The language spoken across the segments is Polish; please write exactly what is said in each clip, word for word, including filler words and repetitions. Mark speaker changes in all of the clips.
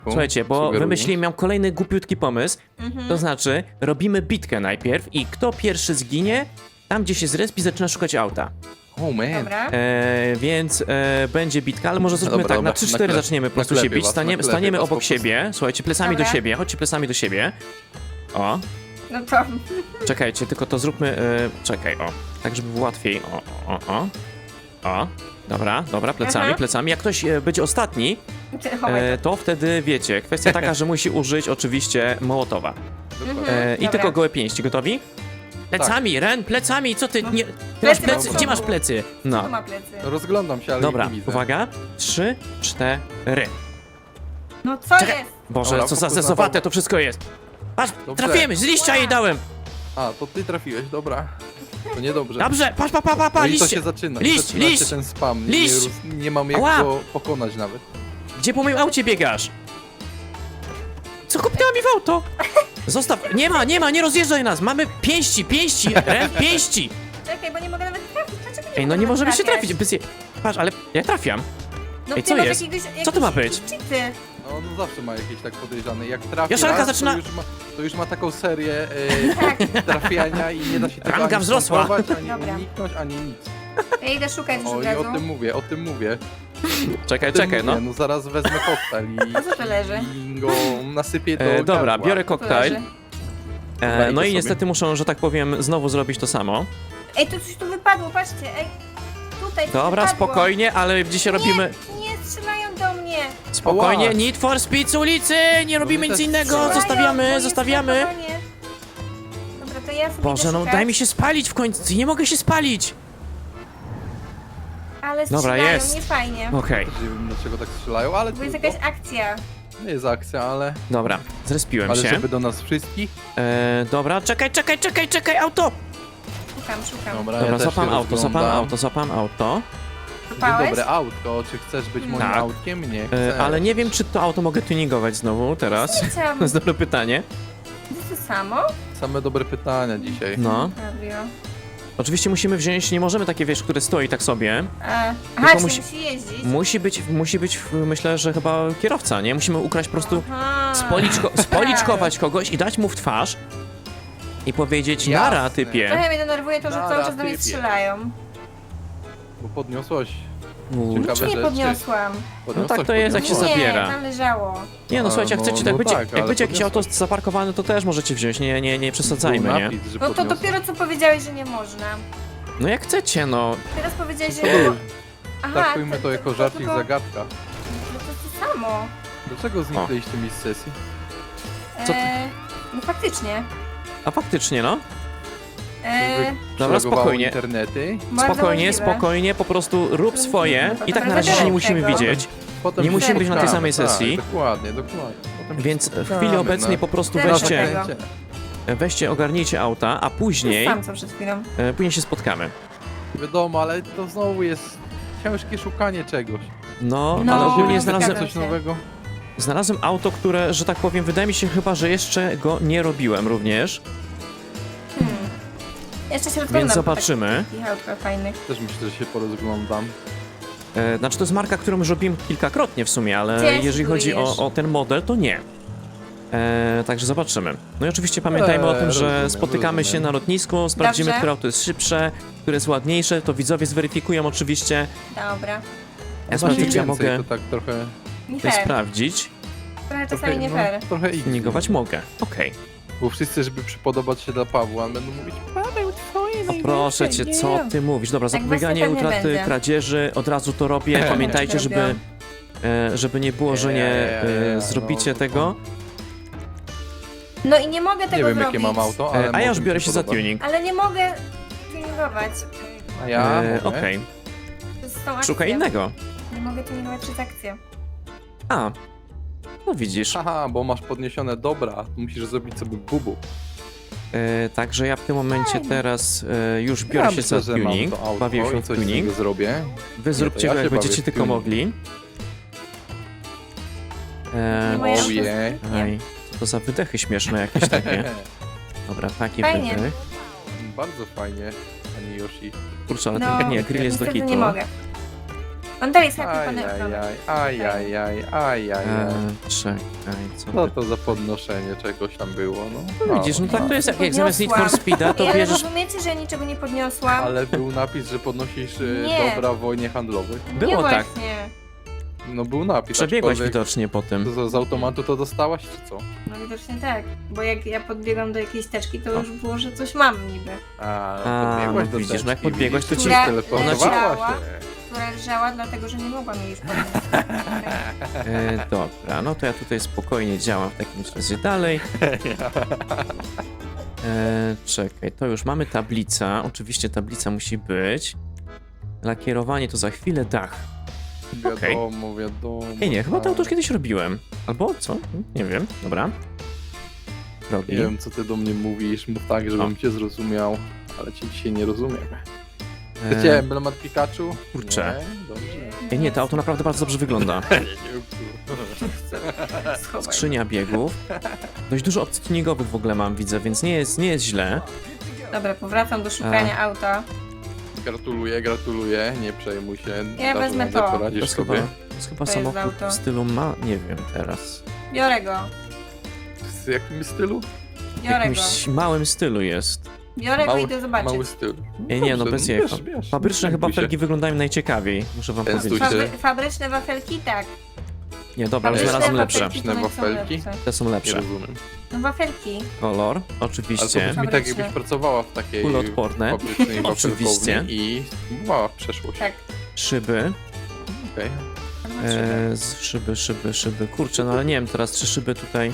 Speaker 1: Słuchajcie, bo
Speaker 2: Sugeruję.
Speaker 1: wymyśliłem, miałem kolejny głupiutki pomysł.
Speaker 3: Mhm.
Speaker 1: To znaczy, robimy bitkę najpierw i kto pierwszy zginie, tam gdzie się zrespi, zaczyna szukać auta.
Speaker 2: Oh man.
Speaker 3: Dobra.
Speaker 1: E, więc e, będzie bitka, ale może zróbmy
Speaker 2: Dobra,
Speaker 1: tak,
Speaker 2: dobra,
Speaker 1: na trzy cztery
Speaker 2: naklep-
Speaker 1: zaczniemy po prostu się
Speaker 2: naklepię
Speaker 1: bić.
Speaker 2: was,
Speaker 1: Stanie,
Speaker 2: naklepię
Speaker 1: staniemy
Speaker 2: was
Speaker 1: obok
Speaker 2: po prostu.
Speaker 1: siebie, słuchajcie, plecami do
Speaker 3: Dobra.
Speaker 1: siebie, chodźcie plecami do siebie. O,
Speaker 3: No to...
Speaker 1: czekajcie, tylko to zróbmy, e, czekaj, o, tak żeby było łatwiej, o, o, o, o, dobra, dobra, plecami,
Speaker 3: Aha.
Speaker 1: plecami. Jak ktoś e, będzie ostatni,
Speaker 3: Ty, chowaj
Speaker 1: e, to wtedy wiecie, kwestia taka, że musi użyć oczywiście Mołotowa.
Speaker 2: Dokładnie.
Speaker 1: E, I
Speaker 3: Dobra.
Speaker 1: tylko gołe pięści, gotowi? Plecami, Ren, plecami, co ty,
Speaker 3: No.
Speaker 1: nie, ty masz
Speaker 3: Plecy
Speaker 1: plecy,
Speaker 3: do
Speaker 1: gdzie masz
Speaker 3: przodu.
Speaker 1: plecy?
Speaker 3: to
Speaker 1: No,
Speaker 3: ma plecy.
Speaker 2: Rozglądam się, ale
Speaker 1: dobra,
Speaker 2: ich nie widzę.
Speaker 1: uwaga, trzy, cztery.
Speaker 3: No co
Speaker 1: Czekaj.
Speaker 3: jest?
Speaker 1: Boże,
Speaker 2: Dobra,
Speaker 1: co za
Speaker 2: fokus na
Speaker 1: zezowate
Speaker 2: bok.
Speaker 1: to wszystko jest. Patrz,
Speaker 2: Dobrze.
Speaker 1: trafiłem, z liścia jej dałem.
Speaker 2: A, to ty trafiłeś, dobra. To niedobrze.
Speaker 1: Dobrze, patrz, pa, pa, pa,
Speaker 2: No
Speaker 1: pa,
Speaker 2: i to
Speaker 1: liście.
Speaker 2: się zaczyna.
Speaker 1: Liść,
Speaker 2: zaczyna
Speaker 1: liść.
Speaker 2: się ten spam.
Speaker 1: Liść.
Speaker 2: Nie, roz- nie mam jak
Speaker 1: Ała.
Speaker 2: go pokonać nawet.
Speaker 1: Gdzie po moim aucie biegasz? Co kopnęła mi w auto? Zostaw, nie ma, nie ma, nie rozjeżdżaj nas. Mamy pięści, pięści, Ren, pięści.
Speaker 3: Czekaj, bo nie mogę nawet trafić. Dlaczego
Speaker 1: Ej, no nie możemy się trafić. Bez je... Patrz, ale ja trafiam.
Speaker 3: No
Speaker 1: Ej,
Speaker 3: ty
Speaker 1: co
Speaker 3: masz
Speaker 1: jest?
Speaker 3: Jakiegoś,
Speaker 1: Co to ma
Speaker 3: jakieś
Speaker 1: być?
Speaker 3: cheaty.
Speaker 2: No, no zawsze ma jakieś tak podejrzane. Jak trafi
Speaker 1: Joszelka
Speaker 2: raz,
Speaker 1: zaczyna-
Speaker 2: to, już ma, to już ma taką serię
Speaker 3: Tak.
Speaker 2: e, trafiania i nie da się tego
Speaker 1: Ranga
Speaker 2: ani
Speaker 1: wzrosła.
Speaker 2: skontrować, ani
Speaker 3: Dobra.
Speaker 2: uniknąć, ani nic.
Speaker 3: Ja idę szukać już
Speaker 2: O,
Speaker 3: od
Speaker 2: i
Speaker 3: razu.
Speaker 2: o tym mówię, o tym mówię.
Speaker 1: Czekaj,
Speaker 2: O tym
Speaker 1: czekaj, no.
Speaker 2: mówię. No zaraz wezmę koktajl i,
Speaker 3: A co to leży?
Speaker 2: i go nasypię do
Speaker 1: E, dobra,
Speaker 2: gardła.
Speaker 1: biorę
Speaker 3: Co to
Speaker 1: koktajl.
Speaker 3: leży?
Speaker 1: E,
Speaker 2: Daj
Speaker 1: no
Speaker 2: to
Speaker 1: i
Speaker 2: sobie.
Speaker 1: niestety muszę, że tak powiem, znowu zrobić to samo.
Speaker 3: Ej, to coś tu wypadło, patrzcie, ej. Tutaj coś
Speaker 1: Dobra,
Speaker 3: wypadło.
Speaker 1: spokojnie, ale dzisiaj robimy...
Speaker 3: Nie, nie strzelają do mnie.
Speaker 1: Spokojnie,
Speaker 2: Ała.
Speaker 1: Need for Speed z ulicy! Nie robimy
Speaker 2: my
Speaker 1: nic
Speaker 2: też
Speaker 1: innego,
Speaker 2: strzelają,
Speaker 3: bo
Speaker 1: zostawiamy,
Speaker 3: jest
Speaker 1: zostawiamy.
Speaker 3: zachowanie. Dobra, to ja sobie
Speaker 1: Boże,
Speaker 3: idę
Speaker 1: no
Speaker 3: szukać,
Speaker 1: daj mi się spalić w końcu, nie mogę się spalić!
Speaker 3: Ale
Speaker 1: Dobra,
Speaker 3: strzelają,
Speaker 1: jest.
Speaker 3: nie fajnie.
Speaker 1: Okej,
Speaker 2: Nie wiem dlaczego tak strzelają, ale
Speaker 3: Bo jest
Speaker 2: trudno.
Speaker 3: jakaś akcja.
Speaker 2: Nie jest akcja, ale,
Speaker 1: dobra, zrespiłem
Speaker 2: ale
Speaker 1: się.
Speaker 2: żeby do nas wszystkich.
Speaker 1: E, dobra, czekaj, czekaj, czekaj, czekaj, auto!
Speaker 3: Szukam, szukam.
Speaker 2: Dobra,
Speaker 1: Dobra,
Speaker 2: ja też
Speaker 1: zapam
Speaker 2: się
Speaker 1: auto, zapam
Speaker 2: rozglądam.
Speaker 1: auto, zapam auto.
Speaker 2: Dzień
Speaker 3: Szukałeś?
Speaker 2: dobre autko, czy chcesz być moim
Speaker 1: Tak.
Speaker 2: autkiem? Nie chcę.
Speaker 1: E, ale nie wiem, czy to auto mogę tuningować znowu teraz.
Speaker 3: Nie chciałam.
Speaker 1: To jest dobre pytanie.
Speaker 3: To jest to samo?
Speaker 2: Same dobre pytania dzisiaj.
Speaker 1: No.
Speaker 3: Fabio.
Speaker 1: Oczywiście musimy wziąć, nie możemy takie, wiesz, które stoi tak sobie.
Speaker 3: E, aha,
Speaker 1: Tylko
Speaker 3: czyli
Speaker 1: musi-
Speaker 3: musi jeździć.
Speaker 1: Musi być, musi być, myślę, że chyba kierowca, nie? Musimy ukraść po prostu,
Speaker 3: Aha.
Speaker 1: spoliczko, spoliczkować kogoś i dać mu w twarz i powiedzieć,
Speaker 2: Jasne.
Speaker 1: nara, typie.
Speaker 3: Trochę mnie denerwuje to, że
Speaker 2: Nara,
Speaker 3: cały czas do mnie
Speaker 2: typie.
Speaker 3: strzelają.
Speaker 2: Bo podniosłaś.
Speaker 1: Uuu.
Speaker 2: Ciekawe
Speaker 3: Czy nie
Speaker 2: rzeczy.
Speaker 3: podniosłam?
Speaker 2: podniosłaś
Speaker 1: tak to jest, jak się
Speaker 2: podniosłaś.
Speaker 1: zabiera.
Speaker 3: Nie, tam leżało.
Speaker 1: Nie no,
Speaker 2: A,
Speaker 1: słuchajcie, jak
Speaker 2: no-
Speaker 1: chcecie,
Speaker 2: no
Speaker 1: tak będzie,
Speaker 2: tak,
Speaker 1: jak
Speaker 2: ale
Speaker 1: będzie jakieś auto
Speaker 2: podniosłeś.
Speaker 1: zaparkowane, to też możecie wziąć, nie, nie, nie przesadzajmy,
Speaker 2: Był
Speaker 1: nie?
Speaker 2: napis, że
Speaker 3: No to
Speaker 2: podniosłaś.
Speaker 3: dopiero co powiedziałeś, że nie można.
Speaker 1: No jak chcecie, no.
Speaker 3: Teraz powiedziałeś, że...
Speaker 2: Ej,
Speaker 3: Aha,
Speaker 2: Traktujmy to jako żarcik,
Speaker 3: tylko-
Speaker 2: zagadka.
Speaker 3: No to to samo.
Speaker 2: Dlaczego zniknęliście mi z sesji?
Speaker 1: Co ty-
Speaker 3: E, no faktycznie.
Speaker 1: A faktycznie, no.
Speaker 3: E,
Speaker 1: Dobra,
Speaker 2: Przelogowało
Speaker 1: spokojnie.
Speaker 2: internety.
Speaker 3: bardzo
Speaker 1: Spokojnie,
Speaker 3: możliwe.
Speaker 1: spokojnie, po prostu rób swoje. I tak na razie się nie musimy
Speaker 3: Tego.
Speaker 1: widzieć.
Speaker 2: Potem
Speaker 1: Nie
Speaker 2: się
Speaker 1: musimy być na tej
Speaker 2: spotkamy,
Speaker 1: samej sesji.
Speaker 2: Tak, dokładnie, dokładnie. Potem się
Speaker 1: Więc w
Speaker 2: spotkamy,
Speaker 1: chwili obecnej
Speaker 2: no.
Speaker 1: po prostu
Speaker 3: Teraz
Speaker 1: weźcie,
Speaker 3: tego.
Speaker 2: Zakręcie.
Speaker 1: weźcie, ogarnijcie auta, a później,
Speaker 3: Sam co przed chwilą.
Speaker 1: e, później się spotkamy.
Speaker 2: Wiadomo, ale to znowu jest ciężkie szukanie czegoś.
Speaker 1: No,
Speaker 3: No,
Speaker 1: ale ogólnie
Speaker 3: no,
Speaker 1: znalazłem,
Speaker 3: zgadzam
Speaker 2: Coś
Speaker 3: się.
Speaker 2: nowego.
Speaker 1: znalazłem auto, które, że tak powiem, wydaje mi się chyba, że jeszcze go nie robiłem również,
Speaker 3: Hmm. Jeszcze się rozglądam.
Speaker 1: więc
Speaker 3: po
Speaker 1: zobaczymy.
Speaker 3: takich autkach fajnych.
Speaker 2: Też myślę, że się porozglądam.
Speaker 1: E, znaczy to jest marka, którą już robiłem kilkakrotnie w sumie, ale
Speaker 3: Gdzie
Speaker 1: jeżeli chodzi o,
Speaker 3: spróbujesz?
Speaker 1: o ten model, to nie. E, także zobaczymy. No i oczywiście pamiętajmy o
Speaker 2: Eee,
Speaker 1: tym, że
Speaker 2: rozumiem,
Speaker 1: spotykamy się
Speaker 2: rozumiem.
Speaker 1: na lotnisku, sprawdzimy,
Speaker 3: Dobrze.
Speaker 1: które auto jest szybsze, które jest ładniejsze, to widzowie zweryfikują oczywiście.
Speaker 3: Dobra.
Speaker 1: Ja
Speaker 2: Masz
Speaker 1: sprawdzę,
Speaker 2: ich
Speaker 1: czy ja
Speaker 2: więcej,
Speaker 1: mogę
Speaker 2: to tak trochę...
Speaker 3: Nie
Speaker 1: tutaj
Speaker 3: fair.
Speaker 1: sprawdzić.
Speaker 3: Trochę czasami
Speaker 2: trochę
Speaker 3: nie
Speaker 2: no,
Speaker 3: fair.
Speaker 2: trochę ich.
Speaker 1: Tuningować mogę. Okej.
Speaker 2: Bo wszyscy, żeby przypodobać się dla Pawła, będą mówić Paweł, twoje
Speaker 1: O proszę cię, co ty mówisz? Dobra,
Speaker 3: Tak
Speaker 1: zapobieganie
Speaker 3: właśnie pewnie
Speaker 1: utraty
Speaker 3: będzie.
Speaker 1: kradzieży, od razu to robię. Pamiętajcie, żeby,
Speaker 3: Robią.
Speaker 1: e, żeby nie było, że nie e,
Speaker 2: Eee,
Speaker 1: zrobicie
Speaker 2: no,
Speaker 1: tego.
Speaker 3: No i nie mogę tego
Speaker 2: Nie wiem,
Speaker 3: zrobić.
Speaker 2: jakie mam auto, ale
Speaker 1: E, a ja już
Speaker 2: może mi
Speaker 1: biorę się za
Speaker 2: podoba.
Speaker 1: tuning.
Speaker 3: Ale nie mogę tuningować.
Speaker 2: A ja
Speaker 1: E,
Speaker 2: mogę.
Speaker 1: Okej,
Speaker 3: Przez tą akcję.
Speaker 1: szukaj innego.
Speaker 3: Nie mogę tuningować przez akcję.
Speaker 1: A, no widzisz.
Speaker 2: Haha, bo masz podniesione dobra, musisz zrobić sobie bubu.
Speaker 1: E, także ja w tym momencie
Speaker 3: Fajnie.
Speaker 1: teraz e, już biorę
Speaker 2: ja
Speaker 1: się
Speaker 2: myślę,
Speaker 1: za
Speaker 2: że mam
Speaker 1: tuning.
Speaker 2: to auto
Speaker 1: Bawię się
Speaker 2: i
Speaker 1: w
Speaker 2: coś z
Speaker 1: tuning.
Speaker 2: niego zrobię.
Speaker 1: Wy zróbcie
Speaker 2: ja
Speaker 1: go,
Speaker 2: się
Speaker 1: jak
Speaker 2: bawię
Speaker 1: będziecie
Speaker 2: w
Speaker 1: tylko
Speaker 2: tuning.
Speaker 1: mogli. E,
Speaker 3: Nie moje
Speaker 2: Oh
Speaker 3: auto
Speaker 2: yeah.
Speaker 3: jest- nie.
Speaker 1: Aj, co to za wydechy śmieszne jakieś takie. Dobra, taki
Speaker 3: Fajnie.
Speaker 1: wydech.
Speaker 2: Bardzo fajnie, pani Yoshi.
Speaker 1: Kurczę, ale
Speaker 3: No,
Speaker 1: ten nie, grill jest do
Speaker 3: niestety
Speaker 1: kitu.
Speaker 3: nie mogę. On dalej jest happy
Speaker 2: Aj,
Speaker 3: panem.
Speaker 2: aj, aj, aj, aj, aj, aj, aj.
Speaker 1: E, czekaj, co
Speaker 2: Co
Speaker 1: ty...
Speaker 2: to za podnoszenie czegoś tam było, no?
Speaker 1: No widzisz, no tak to jest, jak, jak zamiast Need for
Speaker 3: Podniosłam.
Speaker 1: Speeda, to
Speaker 3: Ale
Speaker 1: bierzesz...
Speaker 3: rozumiecie, że ja niczego nie podniosłam?
Speaker 2: Ale był napis, że podnosisz e,
Speaker 3: Nie.
Speaker 2: dobra w wojnie handlowej.
Speaker 1: Było
Speaker 3: nie
Speaker 1: tak.
Speaker 3: Właśnie.
Speaker 2: No był napis.
Speaker 1: Przebiegłaś
Speaker 2: aczkolwiek
Speaker 1: widocznie po tym.
Speaker 2: to Z, z automatu to dostałaś, czy co?
Speaker 3: No widocznie tak. Bo jak ja podbiegam do jakiejś teczki, to już było, że coś mam niby.
Speaker 2: A,
Speaker 1: A,
Speaker 2: podbiegłaś
Speaker 1: no
Speaker 2: do
Speaker 1: widzisz, no jak
Speaker 2: teczki,
Speaker 1: podbiegłaś, to
Speaker 2: widzisz,
Speaker 1: ci-
Speaker 3: Która
Speaker 2: teleportowała
Speaker 3: leżała.
Speaker 2: się.
Speaker 3: Która leżała, dlatego że nie mogłam jej już podnieść.
Speaker 1: E, dobra, no to ja tutaj spokojnie działam w takim razie dalej. E, czekaj, to już mamy tablica. Oczywiście tablica musi być. Lakierowanie to za chwilę, dach. Okej.
Speaker 2: Wiadomo, wiadomo.
Speaker 1: Ej, nie, chyba to
Speaker 2: tak.
Speaker 1: już kiedyś robiłem. Albo co? Nie wiem, dobra. Robi.
Speaker 2: Nie wiem, co ty do mnie mówisz, mów tak, żebym cię zrozumiał, ale cię dzisiaj nie rozumiem. Chcecie
Speaker 1: E,
Speaker 2: emblemat Pikachu?
Speaker 1: kurczę.
Speaker 2: Nie? Dobrze.
Speaker 1: Ej, nie, to auto naprawdę bardzo dobrze wygląda.
Speaker 2: Nie, nie,
Speaker 3: Schowaj.
Speaker 1: Skrzynia biegów. Dość dużo opcji tuningowych w ogóle mam, widzę, więc nie jest, nie jest źle.
Speaker 3: Dobra, powracam do szukania auta.
Speaker 2: Gratuluję, gratuluję, nie przejmuj się.
Speaker 3: Ja
Speaker 2: dasz
Speaker 3: wezmę
Speaker 2: radę,
Speaker 3: to.
Speaker 1: To
Speaker 2: Poradzisz
Speaker 1: jest chyba,
Speaker 2: sobie.
Speaker 1: to jest chyba
Speaker 3: To jest
Speaker 1: samochód
Speaker 3: auto.
Speaker 1: w stylu ma... nie wiem teraz.
Speaker 3: Biorę go.
Speaker 2: W jakim stylu?
Speaker 1: W
Speaker 3: Biorę go.
Speaker 1: jakimś małym stylu jest.
Speaker 3: Biorę go i idę zobaczyć.
Speaker 2: Mały styl.
Speaker 1: Ej, nie, no
Speaker 2: Dobrze,
Speaker 1: bez jaj.
Speaker 2: bierz, bierz.
Speaker 1: Fabryczne
Speaker 2: Nie
Speaker 1: chyba
Speaker 2: bój się.
Speaker 1: felgi wyglądają najciekawiej, muszę wam
Speaker 2: Częstuj
Speaker 1: powiedzieć.
Speaker 2: się.
Speaker 3: Fabry fabryczne wafelki, tak.
Speaker 1: Nie, dobra, ale
Speaker 2: Fabryczne
Speaker 1: znalazłem lepsze.
Speaker 3: wafelki to
Speaker 2: Fabryczne
Speaker 3: są
Speaker 2: wafelki?
Speaker 3: lepsze.
Speaker 1: Te są
Speaker 2: Nie
Speaker 1: lepsze.
Speaker 2: rozumiem.
Speaker 3: No wafelki.
Speaker 1: Kolor,
Speaker 2: Ale to
Speaker 1: oczywiście.
Speaker 2: brzmi tak,
Speaker 3: Fabryczne.
Speaker 2: jakbyś pracowała w takiej
Speaker 1: Kuloodporne.
Speaker 2: fabrycznej
Speaker 1: Oczywiście.
Speaker 2: wafelkowni i spróbowała w przeszłość.
Speaker 3: Tak.
Speaker 1: Szyby.
Speaker 2: Okej.
Speaker 1: E, z szyby, szyby, szyby. Kurczę, no ale nie wiem teraz, czy szyby tutaj...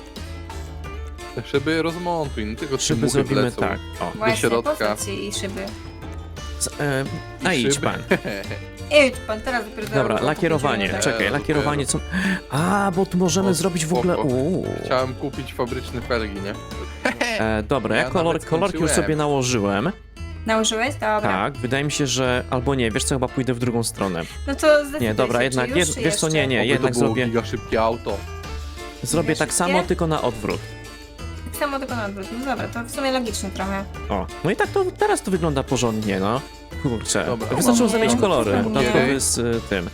Speaker 2: Te szyby rozmontuj, no tylko trzy
Speaker 1: Szyby
Speaker 2: muchy
Speaker 1: zrobimy
Speaker 2: wlecą.
Speaker 1: tak. O.
Speaker 3: Właśnie,
Speaker 2: środka.
Speaker 3: postaw się i szyby.
Speaker 1: Z, e,
Speaker 2: I
Speaker 1: a idź
Speaker 2: szyby.
Speaker 1: pan.
Speaker 3: Idź pan, teraz dopiero
Speaker 1: Dobra,
Speaker 3: zaraz
Speaker 1: lakierowanie.
Speaker 3: kupić,
Speaker 1: Czekaj,
Speaker 2: Jezu,
Speaker 1: lakierowanie co... A, bo tu możemy
Speaker 2: O,
Speaker 1: zrobić w ogóle...
Speaker 2: spoko.
Speaker 1: Uuu.
Speaker 2: Chciałem kupić fabryczne felgi, nie?
Speaker 1: E, dobra, ja
Speaker 2: Ja
Speaker 1: kolor,
Speaker 2: nawet
Speaker 1: kolorki już
Speaker 2: skończyłem.
Speaker 1: sobie nałożyłem.
Speaker 3: Nałożyłeś? Dobra.
Speaker 1: Tak, wydaje mi się, że... Albo nie, wiesz co, chyba pójdę w drugą stronę.
Speaker 3: No to zdecyduj
Speaker 1: Nie, dobra,
Speaker 3: się,
Speaker 1: jednak...
Speaker 3: czy już,
Speaker 1: Jed,
Speaker 3: czy
Speaker 1: wiesz co, nie,
Speaker 3: jeszcze?
Speaker 1: nie,
Speaker 2: Oby
Speaker 1: jednak
Speaker 2: to było
Speaker 1: zrobię...
Speaker 2: giga szybkie auto.
Speaker 1: Zrobię tak
Speaker 3: szybkie?
Speaker 1: samo, tylko na odwrót.
Speaker 3: Tak samo tylko na odwrót. No dobra, to w sumie logiczne trochę.
Speaker 1: O, no i tak to teraz to wygląda porządnie, no. Kurczę,
Speaker 2: Dobra,
Speaker 1: wystarczyło
Speaker 3: nie,
Speaker 1: zamienić
Speaker 3: no,
Speaker 1: kolory,
Speaker 3: to
Speaker 1: no
Speaker 3: nie.
Speaker 1: to jest y, tym.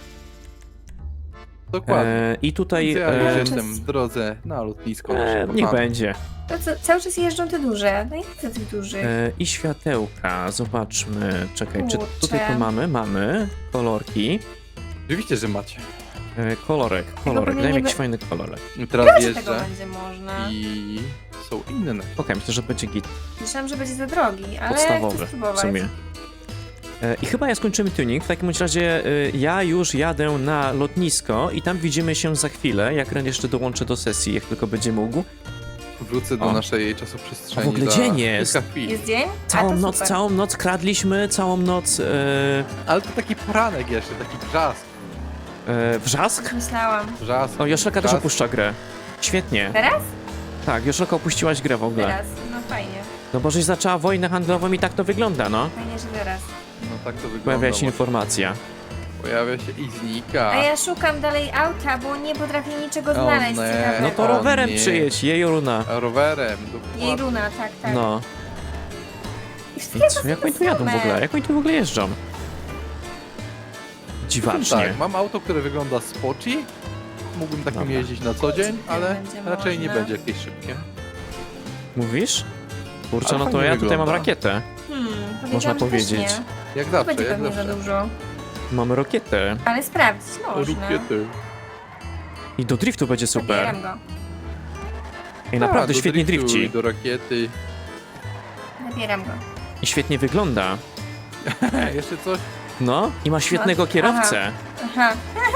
Speaker 2: Dokładnie.
Speaker 1: E, I tutaj...
Speaker 2: Ja
Speaker 1: E,
Speaker 2: już jestem w drodze na lotnisko.
Speaker 1: e,
Speaker 2: nasze
Speaker 1: niech
Speaker 2: kochane.
Speaker 1: będzie.
Speaker 3: To co, cały czas jeżdżą te duże. No i chcę tych dużych.
Speaker 1: E, I światełka, zobaczmy. Czekaj, czy
Speaker 3: Kurczę.
Speaker 1: tutaj to mamy? Mamy. Kolorki.
Speaker 2: Oczywiście, że macie.
Speaker 1: E, kolorek, kolorek,
Speaker 3: pewnie
Speaker 1: daj mi
Speaker 3: nie
Speaker 1: jakiś
Speaker 3: be-
Speaker 1: fajny kolorek.
Speaker 2: I teraz
Speaker 3: Chyba, że tego
Speaker 2: jeżdżę
Speaker 3: będzie można.
Speaker 2: i są inne.
Speaker 1: Okej, myślę, że będzie git
Speaker 3: Myślałam, że będzie za drogi, ale
Speaker 1: podstawowy
Speaker 3: chcę
Speaker 1: w
Speaker 3: spróbować.
Speaker 1: sumie. E, I chyba ja skończymy tuning. W takim bądź razie y, ja już jadę na lotnisko i tam widzimy się za chwilę, jak Ren jeszcze dołączę do sesji, jak tylko będzie mógł.
Speaker 2: Wrócę do
Speaker 1: O.
Speaker 2: naszej czasoprzestrzeni.
Speaker 1: A w ogóle
Speaker 2: za
Speaker 1: dzień jest.
Speaker 2: kilka chwil.
Speaker 3: Jest dzień? A,
Speaker 1: Całą
Speaker 3: to
Speaker 1: noc,
Speaker 3: super.
Speaker 1: całą noc kradliśmy, całą noc e,
Speaker 2: Ale to taki poranek jeszcze, taki brzask.
Speaker 1: e, wrzask.
Speaker 3: Myślałam.
Speaker 2: Brzask.
Speaker 1: O, Joszelka też
Speaker 2: brzask.
Speaker 1: opuszcza grę. Świetnie.
Speaker 3: Teraz?
Speaker 1: Tak, Joszelka opuściłaś grę w ogóle.
Speaker 3: Teraz. No fajnie.
Speaker 1: No bo żeś zaczęła wojnę handlową i tak to wygląda, no.
Speaker 3: Fajnie, że teraz.
Speaker 2: No tak to wygląda.
Speaker 1: Pojawia się
Speaker 2: właśnie.
Speaker 1: informacja.
Speaker 2: Pojawia się i znika.
Speaker 3: A ja szukam dalej auta, bo nie potrafię niczego
Speaker 2: O
Speaker 3: znaleźć
Speaker 2: nie.
Speaker 3: ciekawego.
Speaker 1: No to
Speaker 2: O
Speaker 1: rowerem
Speaker 2: nie.
Speaker 1: przyjedź, jej runa.
Speaker 2: A rowerem. dokładnie.
Speaker 3: Jej runa, tak, tak.
Speaker 1: No.
Speaker 3: I
Speaker 1: I
Speaker 3: wszystkie
Speaker 1: co,
Speaker 3: to
Speaker 1: jak
Speaker 3: są
Speaker 1: oni tu jadą w
Speaker 3: same.
Speaker 1: ogóle? Jak oni tu w ogóle jeżdżą? Dziwacznie.
Speaker 2: Tak, mam auto, które wygląda spoci. Mógłbym takim
Speaker 1: Dobra.
Speaker 2: jeździć na co dzień, ale
Speaker 3: Będzie
Speaker 2: raczej nie
Speaker 3: można.
Speaker 2: będzie jakieś szybkie.
Speaker 1: Mówisz? Kurczę,
Speaker 2: Ale
Speaker 1: no to
Speaker 2: fajnie
Speaker 1: ja tutaj mam
Speaker 2: wygląda.
Speaker 1: rakietę.
Speaker 3: Hmm,
Speaker 1: Można
Speaker 3: powiedziałam, że
Speaker 1: powiedzieć.
Speaker 3: Też nie.
Speaker 2: Jak
Speaker 3: To
Speaker 2: zawsze,
Speaker 3: będzie
Speaker 2: jak
Speaker 3: pewnie za
Speaker 2: zawsze.
Speaker 3: dużo.
Speaker 1: Mamy rakietę.
Speaker 3: Ale sprawdzić można.
Speaker 2: Rakiety.
Speaker 1: I do driftu będzie super.
Speaker 3: Zabieram go.
Speaker 1: I naprawdę
Speaker 2: A, do
Speaker 1: świetnie
Speaker 2: driftu
Speaker 1: drifci.
Speaker 2: i do rakiety.
Speaker 3: Zabieram go.
Speaker 1: I świetnie wygląda.
Speaker 2: Jeszcze coś?
Speaker 1: No, i ma świetnego
Speaker 3: Aha.
Speaker 1: kierowcę.
Speaker 3: Aha.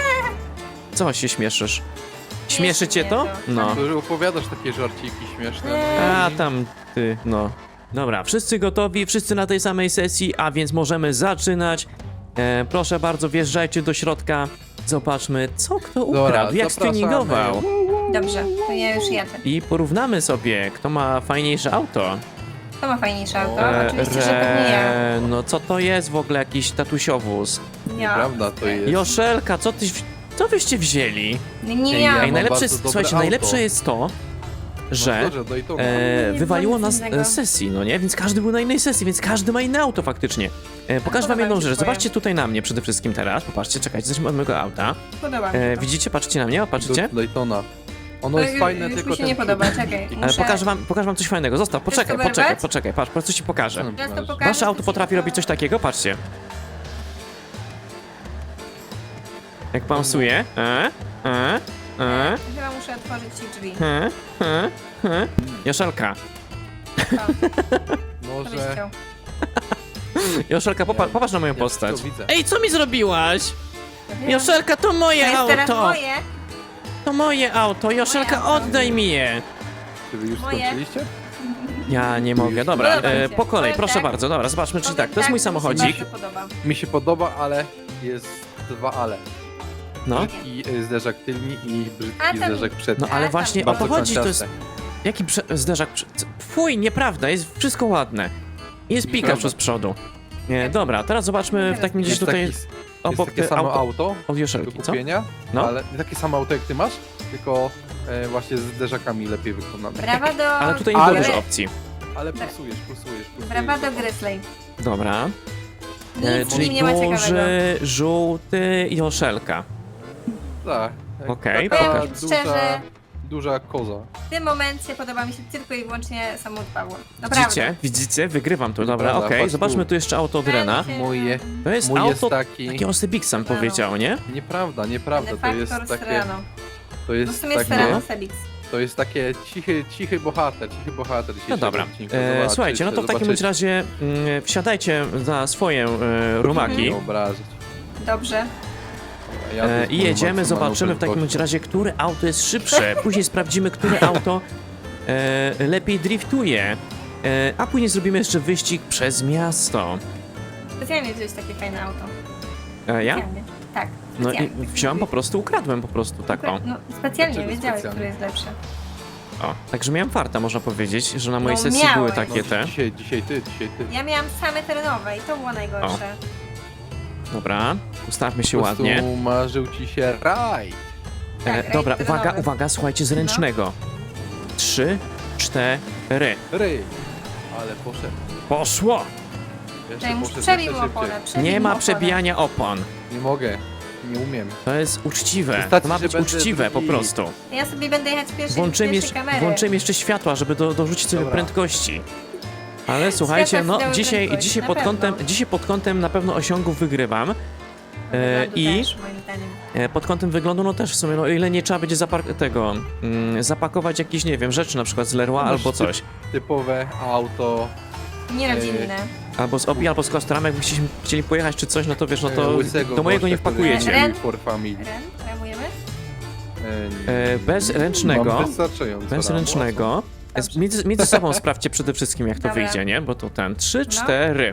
Speaker 1: Co się śmieszysz? Śmieszy
Speaker 3: Śmieszy
Speaker 1: cię
Speaker 3: mnie
Speaker 1: to?
Speaker 3: to.
Speaker 1: No.
Speaker 2: To, że opowiadasz takie żarciki śmieszne.
Speaker 3: Eee.
Speaker 1: A tam ty, no. Dobra, wszyscy gotowi, wszyscy na tej samej sesji, a więc możemy zaczynać. E, proszę bardzo, wjeżdżajcie do środka. Zobaczmy, co kto ukradł,
Speaker 2: Dobra,
Speaker 1: jak
Speaker 2: zapraszamy.
Speaker 1: stuningował.
Speaker 3: Dobrze, to ja już jadę.
Speaker 1: I porównamy sobie, kto ma fajniejsze auto.
Speaker 3: Kto ma fajniejsze auto?
Speaker 2: O,
Speaker 3: Oczywiście, że pewnie ja.
Speaker 1: Re- No co to jest w ogóle jakiś tatusiowóz?
Speaker 3: Ja.
Speaker 2: Prawda to jest.
Speaker 1: Joszelka, co tyś, co wyście wzięli?
Speaker 3: Nie
Speaker 2: Ej, ja
Speaker 3: ja.
Speaker 1: Ej,
Speaker 2: mam
Speaker 1: najlepsze
Speaker 2: bardzo
Speaker 1: jest,
Speaker 2: dobre
Speaker 1: słuchajcie,
Speaker 2: auto.
Speaker 1: najlepsze jest to, że
Speaker 2: No, dobrze, Daytona.
Speaker 1: e,
Speaker 3: Nic
Speaker 1: wywaliło nas
Speaker 3: innego.
Speaker 1: e, z sesji, no nie? Więc każdy był na innej sesji, więc każdy ma inne auto faktycznie. E, pokażę wam
Speaker 3: podoba
Speaker 1: jedną
Speaker 3: mi się
Speaker 1: rzecz.
Speaker 3: twoje.
Speaker 1: Zobaczcie tutaj na mnie przede wszystkim teraz. Popatrzcie, czekajcie, zacznijmy od mojego auta.
Speaker 3: Podoba mi
Speaker 1: E,
Speaker 3: się to.
Speaker 1: widzicie, patrzcie na mnie, o, patrzycie?
Speaker 2: Do Daytona. Ono
Speaker 3: To
Speaker 2: jest
Speaker 3: ju-
Speaker 2: fajne,
Speaker 3: już
Speaker 2: tylko
Speaker 3: mi się
Speaker 2: ten
Speaker 3: nie podoba,
Speaker 2: przód-
Speaker 3: czekaj.
Speaker 1: Ale
Speaker 3: Muszę-
Speaker 1: pokażę wam, pokażę wam coś fajnego. Zostaw, poczekaj,
Speaker 3: to
Speaker 1: poczekaj,
Speaker 3: wyrwać?
Speaker 1: poczekaj, patrz, po prostu ci pokażę.
Speaker 2: Co?
Speaker 3: Teraz to pokażę,
Speaker 1: Wasze auto
Speaker 3: to ci
Speaker 1: potrafi
Speaker 3: to-
Speaker 1: robić coś takiego? Patrzcie. Jak pausuje. E, e, e,
Speaker 3: Chyba muszę otworzyć ci drzwi.
Speaker 1: e, e, e. Joszelka.
Speaker 3: O, to byś
Speaker 2: Może...
Speaker 3: chciał.
Speaker 1: Joszelka, popa
Speaker 2: Ja-
Speaker 1: popatrz na moją
Speaker 2: ja
Speaker 1: postać.
Speaker 2: wszystko widzę.
Speaker 1: Ej, co mi zrobiłaś?
Speaker 3: Wiem.
Speaker 1: Joszelka, to
Speaker 3: To
Speaker 1: moje
Speaker 3: jest teraz
Speaker 1: auto!
Speaker 3: moje.
Speaker 1: To moje auto, Joszelka,
Speaker 3: auto.
Speaker 1: oddaj mi je!
Speaker 2: Czy wy już
Speaker 3: Moje.
Speaker 2: skończyliście?
Speaker 1: Ja nie mogę, dobra,
Speaker 3: Podoba mi
Speaker 1: e,
Speaker 3: się.
Speaker 1: po kolei,
Speaker 3: Powiem
Speaker 1: proszę
Speaker 3: tak.
Speaker 1: bardzo, dobra, zobaczmy, czy
Speaker 3: Powiem
Speaker 1: tak, to jest mój
Speaker 3: mi się
Speaker 1: samochodzik.
Speaker 3: bardzo podoba.
Speaker 2: Mi się podoba, ale jest dwa ale.
Speaker 1: No,
Speaker 2: I y, zderzak tylni i
Speaker 3: A,
Speaker 2: brzydki
Speaker 3: tam-
Speaker 2: zderzak przedni.
Speaker 1: no ale
Speaker 3: A,
Speaker 1: właśnie o
Speaker 3: tam-
Speaker 1: to
Speaker 2: Bardzo
Speaker 1: chodzi, to jest...
Speaker 2: kanciaste.
Speaker 1: Jaki prze zderzak? prze- c- Fuj, nieprawda, jest wszystko ładne. Jest Pikachu
Speaker 2: Nieprawda.
Speaker 1: z przodu. Nie, dobra, teraz zobaczmy w takim razie
Speaker 2: Jest,
Speaker 1: tutaj
Speaker 2: taki, jest
Speaker 1: obok
Speaker 2: takie
Speaker 1: te
Speaker 2: samo
Speaker 1: auto
Speaker 2: auto
Speaker 1: od
Speaker 2: do
Speaker 1: Joszelki, co?
Speaker 2: kupienia,
Speaker 1: No.
Speaker 2: ale nie takie samo auto jak ty masz, tylko e, właśnie z zderzakami lepiej wykonane.
Speaker 3: Brawa do...
Speaker 1: Ale tutaj nie było
Speaker 2: Ale-
Speaker 1: dużo opcji.
Speaker 2: Ale pulsujesz, pulsujesz, pulsujesz.
Speaker 3: Brawa do Grizzly.
Speaker 1: Dobra,
Speaker 3: Nic
Speaker 1: e,
Speaker 3: w nim
Speaker 1: czyli
Speaker 3: nie ma ciekawego.
Speaker 1: duży, żółty Joszelka.
Speaker 2: Tak. jak
Speaker 1: Okej,
Speaker 2: taka
Speaker 3: pokaż.
Speaker 2: duża,
Speaker 3: Szczerze.
Speaker 2: duża koza.
Speaker 3: W tym momencie podoba mi się tylko i wyłącznie samochód Pawła. Naprawdę.
Speaker 1: Widzicie? Widzicie? Wygrywam tu, dobra,
Speaker 2: Prawda,
Speaker 1: okej.
Speaker 2: patrz
Speaker 1: Zobaczmy
Speaker 2: tu.
Speaker 1: tu jeszcze auto od Rena.
Speaker 2: Moje,
Speaker 1: To jest
Speaker 2: mój jest
Speaker 1: auto,
Speaker 2: taki...
Speaker 1: takie Osybik sam
Speaker 3: No.
Speaker 1: powiedział, nie?
Speaker 2: Nieprawda, nieprawda, to jest
Speaker 3: Factor
Speaker 2: takie...
Speaker 3: Serrano.
Speaker 2: To
Speaker 3: No w
Speaker 2: jest
Speaker 3: sumie
Speaker 2: takie...
Speaker 3: Serrano Sebix.
Speaker 2: To jest takie cichy, cichy bohater, cichy bohater.
Speaker 1: No
Speaker 2: dzisiejszego
Speaker 1: dobra.
Speaker 2: odcinka.
Speaker 1: E,
Speaker 2: Zobaczycie,
Speaker 1: słuchajcie, no to w takim bądź
Speaker 2: zobaczycie.
Speaker 1: razie mm, wsiadajcie za swoje e, rumaki
Speaker 2: Nie obrazić.
Speaker 3: Dobrze.
Speaker 2: Ja
Speaker 1: e,
Speaker 2: tu
Speaker 1: i jedziemy,
Speaker 2: mam
Speaker 1: zobaczymy w takim
Speaker 2: manewr
Speaker 1: bądź razie, które auto jest szybsze. Później sprawdzimy, które auto e, lepiej driftuje. E, a później zrobimy jeszcze wyścig przez miasto.
Speaker 3: Specjalnie wziąłeś takie fajne auto.
Speaker 1: E, ja?
Speaker 3: Specjalnie. Tak.
Speaker 1: No i
Speaker 3: specjalnie.
Speaker 1: wziąłem po prostu, ukradłem po prostu taką.
Speaker 3: No specjalnie
Speaker 2: Dlaczego
Speaker 3: wiedziałeś,
Speaker 2: specjalnie?
Speaker 3: który jest lepszy.
Speaker 1: O, także miałem farta, można powiedzieć, że na mojej
Speaker 3: No,
Speaker 1: sesji
Speaker 3: miałeś.
Speaker 1: były
Speaker 2: No,
Speaker 1: takie te.
Speaker 2: dzisiaj, dzisiaj ty, dzisiaj ty.
Speaker 3: Ja miałam same terenowe i to było najgorsze.
Speaker 1: Dobra, ustawmy się
Speaker 2: Po prostu
Speaker 1: ładnie.
Speaker 2: marzył ci się raj.
Speaker 3: Tak,
Speaker 1: E,
Speaker 3: rajd
Speaker 1: dobra,
Speaker 3: terenowy.
Speaker 1: uwaga, uwaga, słuchajcie, z ręcznego. Trzy, cztery.
Speaker 2: Ryj. Ale poszedł.
Speaker 1: Poszło!
Speaker 2: Jeszcze
Speaker 3: Czekaj, muszę
Speaker 2: poszedł
Speaker 3: przebił
Speaker 2: jeszcze
Speaker 3: oponę.
Speaker 2: szybciej.
Speaker 3: przebił
Speaker 1: Nie ma
Speaker 3: oponę.
Speaker 1: przebijania opon.
Speaker 2: Nie mogę. Nie umiem.
Speaker 1: To jest uczciwe.
Speaker 2: Wystarczy,
Speaker 1: To ma
Speaker 2: że
Speaker 1: być
Speaker 2: będę
Speaker 1: uczciwe po
Speaker 2: drugi.
Speaker 1: prostu.
Speaker 3: Ja sobie będę jechać z pierwszej,
Speaker 1: Włączymy
Speaker 3: pierwszej
Speaker 1: jeszcze,
Speaker 3: kamery.
Speaker 1: włączymy jeszcze światła, żeby do, dorzucić sobie
Speaker 2: Dobra.
Speaker 1: prędkości. Ale słuchajcie,
Speaker 3: Światła
Speaker 1: no
Speaker 3: dały
Speaker 1: dzisiaj,
Speaker 3: prędkość,
Speaker 1: dzisiaj,
Speaker 3: na
Speaker 1: pod
Speaker 3: pewno.
Speaker 1: kątem, dzisiaj pod kątem na pewno osiągów wygrywam. E,
Speaker 3: Wyglądu
Speaker 1: I
Speaker 3: też, moim zdaniem.
Speaker 1: e, pod kątem wyglądu, no też w sumie, no o ile nie trzeba będzie zapar- tego, mm, zapakować jakieś, nie wiem, rzeczy na przykład z Leroy
Speaker 2: No,
Speaker 1: albo
Speaker 2: ty-
Speaker 1: coś.
Speaker 2: Typowe auto.
Speaker 3: Nierodzinne.
Speaker 1: Albo z Obi, albo z Kostrami, jakbyście chcieli pojechać czy coś, no to wiesz, no
Speaker 2: e,
Speaker 1: to
Speaker 2: łysego
Speaker 1: do mojego
Speaker 2: gościa,
Speaker 1: nie
Speaker 2: który
Speaker 1: wpakujecie.
Speaker 3: Ren?
Speaker 2: jeździł For family.
Speaker 3: Ren, ramujemy?
Speaker 1: E, bez ręcznego.
Speaker 2: Mam wystarczająco
Speaker 1: Bez
Speaker 2: ramo.
Speaker 1: ręcznego.
Speaker 3: Dobrze.
Speaker 1: Z- Między, między sobą sprawdźcie przede wszystkim, jak to
Speaker 3: Dobra.
Speaker 1: wyjdzie, nie? Bo to ten. Trzy,
Speaker 3: No.
Speaker 1: cztery.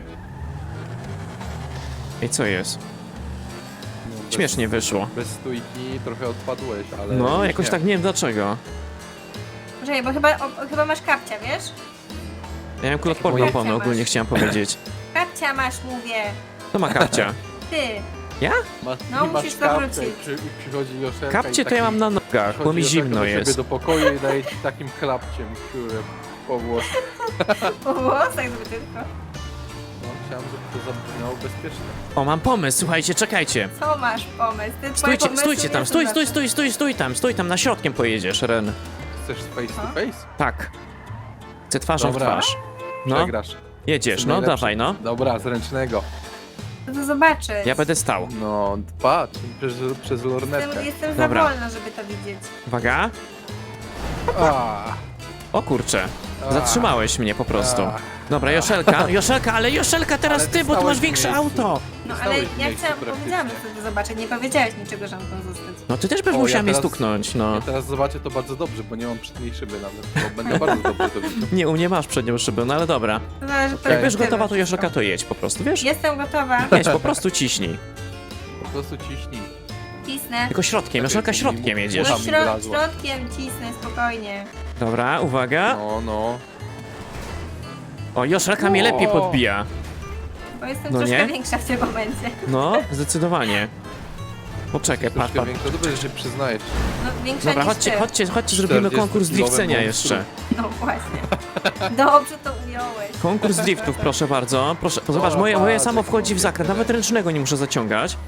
Speaker 1: I co jest?
Speaker 2: No, bez-
Speaker 1: Śmiesznie wyszło.
Speaker 2: Bez stójki trochę odpadłeś, ale...
Speaker 1: No,
Speaker 2: już
Speaker 1: jakoś
Speaker 2: nie.
Speaker 1: tak nie wiem dlaczego.
Speaker 3: Poczekaj, bo chyba, o, chyba masz kapcia, wiesz?
Speaker 1: Ja miałem kuloodporną
Speaker 3: Moje-
Speaker 1: oponę, ogólnie chciałem powiedzieć.
Speaker 3: Kapcia masz, mówię.
Speaker 1: To ma kapcia.
Speaker 3: Ty.
Speaker 2: Ma,
Speaker 3: No,
Speaker 2: masz
Speaker 3: musisz to
Speaker 2: kapkę
Speaker 3: wrócić.
Speaker 2: i przy, i przychodzi Joszelka
Speaker 1: Kapcie
Speaker 2: i
Speaker 1: to ja
Speaker 2: taki-
Speaker 1: mam na nogach, bo mi
Speaker 2: przychodzi
Speaker 1: zimno
Speaker 2: Joszelka do ciebie
Speaker 1: jest.
Speaker 2: do pokoju i daje ci takim klapciem, które po włosach.
Speaker 3: Po włosach żeby tylko.
Speaker 2: No, chciałem, żeby to zabrzmiało bezpiecznie.
Speaker 1: O, mam pomysł, słuchajcie, czekajcie.
Speaker 3: Co masz pomysł? Ty, twoje
Speaker 1: Stójcie,
Speaker 3: pomysły
Speaker 1: stójcie
Speaker 3: nie
Speaker 1: tam,
Speaker 3: są
Speaker 1: stój, stój,
Speaker 3: zawsze.
Speaker 1: stój, stój, stój tam, stój tam, na środkiem pojedziesz, Ren.
Speaker 2: Chcesz face to
Speaker 3: A?
Speaker 2: face?
Speaker 1: Tak. Chcę twarzą w
Speaker 2: Dobra.
Speaker 1: twarz. No,
Speaker 2: Przegrasz.
Speaker 1: jedziesz,
Speaker 2: Jesteś
Speaker 1: no
Speaker 2: najlepszy.
Speaker 1: dawaj, no.
Speaker 2: Dobra, z ręcznego.
Speaker 3: No to zobaczyć.
Speaker 1: Ja będę stał.
Speaker 2: No, patrz, przez, przez lornetkę.
Speaker 3: Jestem, jestem
Speaker 1: Dobra.
Speaker 3: za wolna, żeby to widzieć.
Speaker 1: Uwaga.
Speaker 2: A,
Speaker 1: O kurczę,
Speaker 2: a,
Speaker 1: zatrzymałeś mnie po prostu.
Speaker 2: a.
Speaker 1: Dobra, Joszelka, Joszelka, ale Joszelka teraz
Speaker 2: Ale
Speaker 1: ty, bo ty masz
Speaker 2: stałeś w
Speaker 1: większe
Speaker 2: miejscu.
Speaker 1: auto.
Speaker 3: No ale
Speaker 2: Zostałeś w
Speaker 3: ja
Speaker 2: miejscu
Speaker 3: chciałam,
Speaker 2: praktycznie.
Speaker 3: powiedziałam, że chcę to zobaczyć. Nie powiedziałeś niczego, że mam tam zostać.
Speaker 1: No ty też byś
Speaker 2: O,
Speaker 1: musiała
Speaker 2: ja
Speaker 1: mnie
Speaker 2: teraz-
Speaker 1: stuknąć, no.
Speaker 2: Ja teraz zobaczę to bardzo dobrze, bo nie mam przedniej szyby nawet, bo będę bardzo dobrze to widział.
Speaker 1: Nie, u mnie masz przednią szybę, no ale dobra.
Speaker 3: To zależy
Speaker 2: Okej.
Speaker 1: Jak będziesz
Speaker 3: perspektywy
Speaker 1: gotowa, to
Speaker 3: wszystko.
Speaker 1: Joszelka to jedź po prostu, wiesz?
Speaker 3: Jestem gotowa.
Speaker 1: Jedź, po prostu ciśnij.
Speaker 2: Po prostu ciśnij.
Speaker 3: Cisnę.
Speaker 1: Tylko środkiem, Joszelka środkiem jedziesz.
Speaker 3: No
Speaker 2: Ucha mi
Speaker 3: środ
Speaker 2: wlazła.
Speaker 3: środkiem cisnę, spokojnie.
Speaker 1: Dobra, uwaga.
Speaker 2: No, no.
Speaker 1: O, Joszelka mnie lepiej podbija.
Speaker 3: Bo jestem
Speaker 1: No
Speaker 3: troszkę
Speaker 1: nie?
Speaker 3: większa w tym momencie.
Speaker 1: No, zdecydowanie. Poczekaj, patrz,
Speaker 2: Troszkę
Speaker 1: patrz.
Speaker 2: większa, dobrze, że się przyznajesz.
Speaker 3: No większa
Speaker 1: Dobra,
Speaker 3: niż
Speaker 1: chodźcie,
Speaker 3: ty.
Speaker 1: chodźcie, chodźcie, zrobimy konkurs
Speaker 2: czterdziestokilowy
Speaker 1: drifcenia
Speaker 2: monstrum.
Speaker 1: jeszcze.
Speaker 3: No właśnie. Dobrze to ująłeś.
Speaker 1: Konkurs driftów, proszę bardzo. Proszę, zobacz,
Speaker 2: O,
Speaker 1: moje, moje
Speaker 2: patrz,
Speaker 1: samo
Speaker 2: jak
Speaker 1: wchodzi w
Speaker 2: mogę
Speaker 1: zakręt,
Speaker 2: tyle.
Speaker 1: nawet ręcznego nie muszę zaciągać.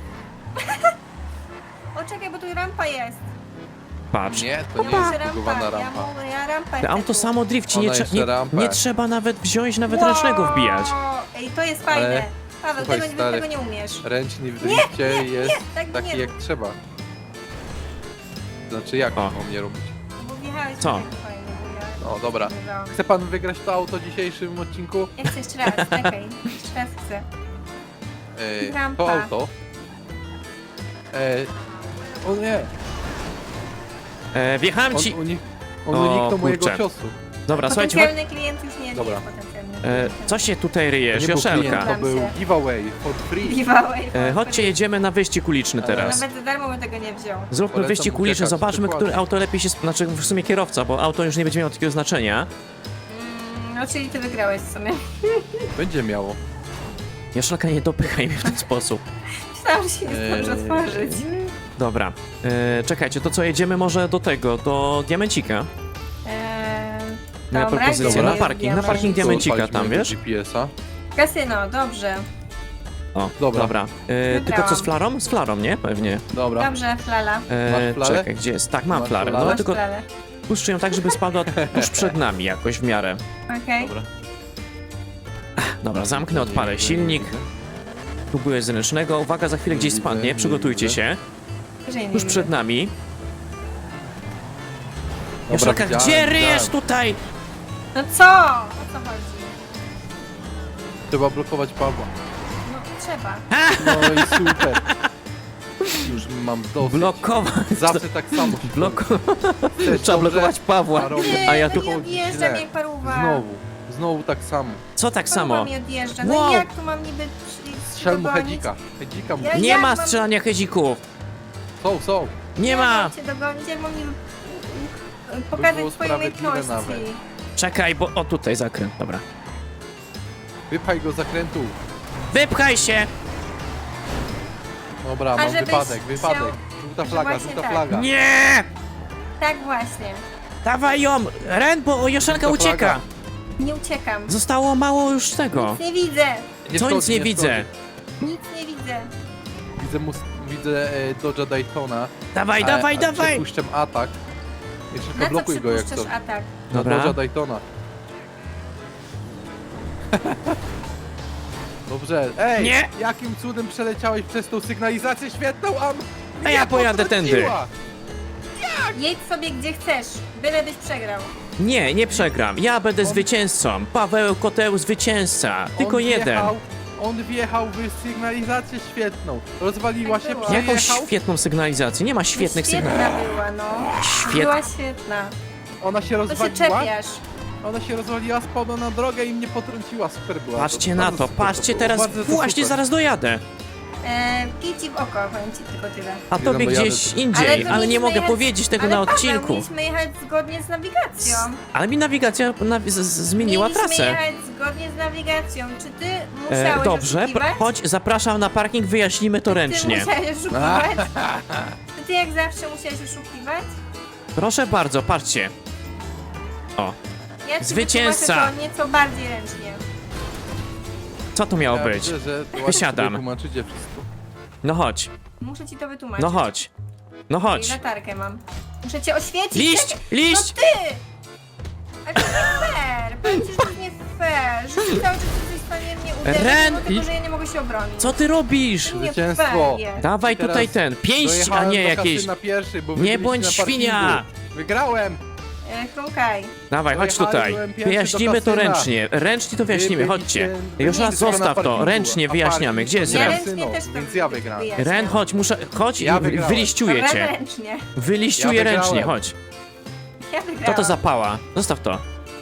Speaker 3: O czekaj, bo tu rampa jest.
Speaker 1: Patrz.
Speaker 2: Nie, to nie
Speaker 3: Jest
Speaker 2: jest bugowana
Speaker 3: Ja
Speaker 2: rampa.
Speaker 3: mogę, ja rampę
Speaker 1: Te
Speaker 3: chcę
Speaker 1: auto
Speaker 3: tu.
Speaker 1: samo drifci, nie,
Speaker 2: Ona
Speaker 1: trze
Speaker 2: jeszcze
Speaker 1: nie,
Speaker 2: rampę.
Speaker 1: nie trzeba nawet wziąć, nawet
Speaker 3: Wow!
Speaker 1: ręcznego wbijać.
Speaker 3: Ej, to jest fajne.
Speaker 2: Ale-
Speaker 3: Paweł,
Speaker 2: słuchaj,
Speaker 3: tego,
Speaker 2: stary.
Speaker 3: tego nie umiesz.
Speaker 2: Ręcznik w drifcie jest
Speaker 3: tak
Speaker 2: taki
Speaker 3: nie
Speaker 2: jak
Speaker 3: rób.
Speaker 2: trzeba. Znaczy jak
Speaker 1: O.
Speaker 2: mam nie robić?
Speaker 3: Bo wjechałeś
Speaker 1: Co?
Speaker 3: tak fajnie, bo ja
Speaker 2: No dobra.
Speaker 3: wygrałam.
Speaker 2: Chce pan wygrać to auto w dzisiejszym odcinku?
Speaker 3: Ja chcę jeszcze raz, czekaj. Jeszcze raz chcę.
Speaker 2: Ej,
Speaker 3: Rampa.
Speaker 2: to auto. Ej, o nie,
Speaker 1: E, wjechałem
Speaker 2: on,
Speaker 1: ci...
Speaker 2: uni on
Speaker 1: O,
Speaker 2: uniknął mojego
Speaker 1: kurczę.
Speaker 2: ciosu.
Speaker 1: Dobra, słuchajcie, chodź...
Speaker 3: Potencjalny klient już nie,
Speaker 2: Dobra.
Speaker 3: nie jest potencjalny
Speaker 1: e,
Speaker 3: klient.
Speaker 1: co się tutaj
Speaker 2: To
Speaker 1: ryjesz,
Speaker 2: nie był klient,
Speaker 1: Joszelka?
Speaker 2: to był
Speaker 3: się.
Speaker 2: giveaway for free.
Speaker 3: Giveaway.
Speaker 1: E, chodźcie, jedziemy na wyścig uliczny teraz.
Speaker 3: Nawet za darmo bym tego nie wziął.
Speaker 1: Zróbmy
Speaker 2: Polecam
Speaker 1: wyścig uliczny,
Speaker 2: uciekać,
Speaker 1: zobaczmy,
Speaker 2: dokładnie.
Speaker 1: które auto lepiej się... sp- Znaczy, w sumie kierowca, bo auto już nie będzie miało takiego znaczenia.
Speaker 3: Mm, no czyli ty wygrałeś w sumie.
Speaker 2: Będzie miało.
Speaker 1: Joszelka, nie dopychaj mnie w ten sposób.
Speaker 3: Myślałam, że się nie zdążę
Speaker 2: Eee.
Speaker 3: otworzyć.
Speaker 1: Dobra, e, czekajcie, to co, jedziemy może do tego, do Diamencika?
Speaker 3: Eee,
Speaker 1: Moja
Speaker 3: dobra,
Speaker 1: propozycja,
Speaker 3: gdzie
Speaker 1: na
Speaker 3: jest
Speaker 1: parking, na
Speaker 3: diament?
Speaker 1: parking diamencika
Speaker 2: Odpalić
Speaker 1: tam,
Speaker 2: mojego
Speaker 1: wiesz?
Speaker 2: G P S-a.
Speaker 3: Kasyno, dobrze.
Speaker 1: O,
Speaker 2: Dobra.
Speaker 1: dobra. E, tylko co, z flarą? Z flarą, nie? Pewnie.
Speaker 2: Dobra.
Speaker 3: Dobrze, flala.
Speaker 1: E,
Speaker 2: Masz flarę?
Speaker 1: czekaj, gdzie jest? Tak, mam
Speaker 2: Masz
Speaker 1: flarę,
Speaker 2: flarę?
Speaker 1: no
Speaker 3: Masz
Speaker 1: tylko
Speaker 3: flalę.
Speaker 1: puszczę ją tak, żeby spadła tuż przed nami jakoś w miarę.
Speaker 3: Okej.
Speaker 2: Dobra.
Speaker 1: Dobra, zamknę, odpalę silnik. Próbuję z ręcznego. Uwaga, za chwilę gdzieś
Speaker 2: Widzę,
Speaker 1: spadnie,
Speaker 2: nie
Speaker 1: przygotujcie
Speaker 2: widzę.
Speaker 1: się.
Speaker 3: Że nie
Speaker 1: Tuż
Speaker 3: widzę.
Speaker 1: przed nami.
Speaker 2: Dobra,
Speaker 1: Joszelka,
Speaker 2: widziałem,
Speaker 1: gdzie ryjesz
Speaker 2: widziałem.
Speaker 1: tutaj?
Speaker 3: No co? O co chodzi?
Speaker 2: Trzeba blokować Pawła.
Speaker 3: No trzeba.
Speaker 2: No i super. Już mam dosyć.
Speaker 1: Blokować.
Speaker 2: Zawsze tak samo. się
Speaker 1: Bloko...
Speaker 2: Chcesz
Speaker 1: Trzeba
Speaker 2: dobrze,
Speaker 1: blokować Pawła.
Speaker 2: a robię
Speaker 1: A ja
Speaker 3: no
Speaker 1: tu...
Speaker 3: nie odjeżdżam
Speaker 2: źle.
Speaker 3: jak paruwa.
Speaker 2: Znowu. Znowu tak samo.
Speaker 1: Co tak
Speaker 3: Paruwa
Speaker 1: samo?
Speaker 3: mi odjeżdża. No
Speaker 1: Wow.
Speaker 3: i jak tu mam niby przy-
Speaker 2: Strzel mu
Speaker 3: dogonić?
Speaker 2: hedzika. Hedzika mu.
Speaker 3: Ja-
Speaker 1: Nie
Speaker 3: jak
Speaker 1: ma
Speaker 3: mam-
Speaker 1: strzelania hezików.
Speaker 2: Są, są.
Speaker 1: Nie
Speaker 3: Jak
Speaker 1: ma.
Speaker 3: mam cię dogonić, jak mam niby mm, pokazać
Speaker 2: było
Speaker 3: swoje
Speaker 2: sprawiedliwe
Speaker 3: umiejętności.
Speaker 2: nawet.
Speaker 1: Czekaj, bo... O, tutaj zakręt, dobra.
Speaker 2: Wypchaj go z zakrętu.
Speaker 1: Wypchaj się!
Speaker 2: Dobra,
Speaker 3: A
Speaker 2: mam
Speaker 3: żebyś
Speaker 2: wypadek,
Speaker 3: chciał-
Speaker 2: wypadek. Żółta
Speaker 3: że
Speaker 2: flaga,
Speaker 3: właśnie
Speaker 2: żółta
Speaker 3: tak.
Speaker 2: flaga.
Speaker 1: Nie!
Speaker 3: Tak właśnie.
Speaker 1: Dawaj ją! Ren, bo Joszelka
Speaker 2: Żółta
Speaker 1: ucieka!
Speaker 2: flaga.
Speaker 3: Nie uciekam.
Speaker 1: Zostało mało już tego.
Speaker 3: Nic nie widzę.
Speaker 2: Nie
Speaker 1: Co
Speaker 2: szkodzi,
Speaker 1: nic nie widzę?
Speaker 3: Nic nie widzę.
Speaker 2: szkodzi. Widzę, mus, widzę e, Dodge'a Daytona.
Speaker 1: Dawaj,
Speaker 2: a-
Speaker 1: dawaj,
Speaker 2: a
Speaker 1: dawaj!
Speaker 2: Przepuszczam atak. Jeszcze
Speaker 3: Na
Speaker 2: tylko
Speaker 3: co
Speaker 2: blokuj go jak
Speaker 3: przypuszczasz
Speaker 2: to.
Speaker 3: atak?
Speaker 2: Na
Speaker 1: Dobra.
Speaker 2: Dodge'a Daytona. Dobrze. Ej!
Speaker 1: Nie.
Speaker 2: Jakim cudem przeleciałeś przez tą sygnalizację świetną, a m-
Speaker 1: A ja
Speaker 2: mnie
Speaker 1: pojadę tędy.
Speaker 2: potrąciła?
Speaker 3: Jedź sobie gdzie chcesz, byle byś przegrał.
Speaker 1: Nie, nie przegram. Ja będę
Speaker 2: On-
Speaker 1: zwycięzcą. Paweł Koteł zwycięzca. Tylko
Speaker 2: On
Speaker 1: jeden.
Speaker 2: Wjechał, on wjechał w sygnalizację świetną. Rozwaliła
Speaker 3: Tak
Speaker 2: się,
Speaker 3: było.
Speaker 1: Jaką
Speaker 2: przejechał.
Speaker 1: świetną sygnalizację. Nie ma świetnych
Speaker 3: Świetna
Speaker 1: sygnalizacji.
Speaker 3: była, no.
Speaker 1: Świet...
Speaker 3: Była świetna.
Speaker 2: Ona się
Speaker 3: To się
Speaker 2: rozwaliła.
Speaker 3: czepiasz.
Speaker 2: Ona się rozwaliła, spadła na drogę i mnie potrąciła. Super była.
Speaker 1: Patrzcie
Speaker 2: to,
Speaker 1: na
Speaker 2: bardzo
Speaker 1: to,
Speaker 2: super
Speaker 1: patrzcie
Speaker 2: było,
Speaker 1: teraz.
Speaker 2: bardzo to
Speaker 1: Właśnie
Speaker 2: super.
Speaker 1: zaraz dojadę.
Speaker 3: E, Kij ci w oko, powiem ci tylko tyle.
Speaker 1: A
Speaker 2: Nie
Speaker 1: tobie
Speaker 2: no, bo jadę
Speaker 1: gdzieś
Speaker 2: tu.
Speaker 1: indziej,
Speaker 3: to
Speaker 1: ale nie
Speaker 3: mieliśmy
Speaker 1: mogę
Speaker 3: jechać-
Speaker 1: powiedzieć tego
Speaker 3: ale
Speaker 1: na
Speaker 3: Paweł,
Speaker 1: odcinku.
Speaker 3: mieliśmy jechać zgodnie z nawigacją.
Speaker 1: Ale mi nawigacja na... z- z- zmieniła
Speaker 3: mieliśmy
Speaker 1: trasę.
Speaker 3: jechać zgodnie z nawigacją. Czy ty
Speaker 1: E,
Speaker 3: musiałeś
Speaker 1: dobrze,
Speaker 3: oszukiwać?
Speaker 1: pr- chodź, zapraszam na parking, wyjaśnimy to
Speaker 3: Ty
Speaker 1: ręcznie.
Speaker 3: musiałeś oszukiwać? Czy ty jak zawsze musiałeś oszukiwać?
Speaker 1: Proszę bardzo, patrzcie. O,
Speaker 3: Ja ci
Speaker 1: Zwycięzca.
Speaker 3: wytłumaczę to nieco bardziej ręcznie.
Speaker 1: co to miało
Speaker 2: Ja
Speaker 1: być?
Speaker 2: widzę, że ładnie
Speaker 1: Wysiadam.
Speaker 2: sobie tłumaczycie wszystko.
Speaker 1: No chodź,
Speaker 3: Muszę ci to wytłumaczyć.
Speaker 1: no chodź. No
Speaker 3: I
Speaker 1: chodź.
Speaker 3: latarkę mam. Muszę cię oświecić.
Speaker 1: Liść,
Speaker 3: Czekaj.
Speaker 1: liść!
Speaker 3: No ty! Ale to nie fair! Powiem ci, że to jest nie fair! Że ty cały czas jesteś w stanie mnie uderzyć,
Speaker 1: Ren,
Speaker 3: mimo tego,
Speaker 1: i-
Speaker 3: że ja nie mogę się obronić.
Speaker 1: Co ty robisz?
Speaker 3: To nie
Speaker 2: Zwycięstwo.
Speaker 3: fair jest.
Speaker 1: Dawaj
Speaker 2: Teraz
Speaker 1: tutaj ten, pięść, a
Speaker 2: Dojechałem
Speaker 1: nie
Speaker 2: do
Speaker 1: jakieś...
Speaker 2: kasyna pierwszy, bo wy
Speaker 1: Nie
Speaker 2: byliście
Speaker 1: bądź
Speaker 2: na parkingu.
Speaker 1: świnia!
Speaker 2: Wygrałem!
Speaker 3: E, Chrumkaj.
Speaker 1: Dawaj, chodź tutaj.
Speaker 2: Dojechałem pierwszy
Speaker 1: Wyjaśnimy
Speaker 2: do
Speaker 1: to
Speaker 2: kasyna.
Speaker 1: ręcznie. Ręcznie to wyjaśnimy,
Speaker 2: Wy
Speaker 1: chodźcie.
Speaker 2: byliście-
Speaker 1: Już raz
Speaker 2: byliście na
Speaker 1: zostaw to,
Speaker 2: parkingu,
Speaker 1: ręcznie
Speaker 2: a
Speaker 1: wyjaśniamy.
Speaker 2: parking
Speaker 1: Gdzie jest
Speaker 2: to
Speaker 3: Ja
Speaker 1: Ren?
Speaker 3: ręcznie
Speaker 2: kasyno,
Speaker 3: też to
Speaker 2: więc ja wygrałem.
Speaker 3: wyjaśniam.
Speaker 1: Ren, chodź, muszę... Chodź
Speaker 2: Ja
Speaker 1: i wy-
Speaker 2: wygrałem.
Speaker 1: wyliściuję
Speaker 3: Ren
Speaker 1: cię.
Speaker 3: ręcznie.
Speaker 1: Wyliściuję
Speaker 2: Ja wygrałem.
Speaker 1: ręcznie, chodź.
Speaker 3: Ja
Speaker 1: Co
Speaker 3: wygrałam.
Speaker 1: to za pała? Zostaw to.
Speaker 3: E!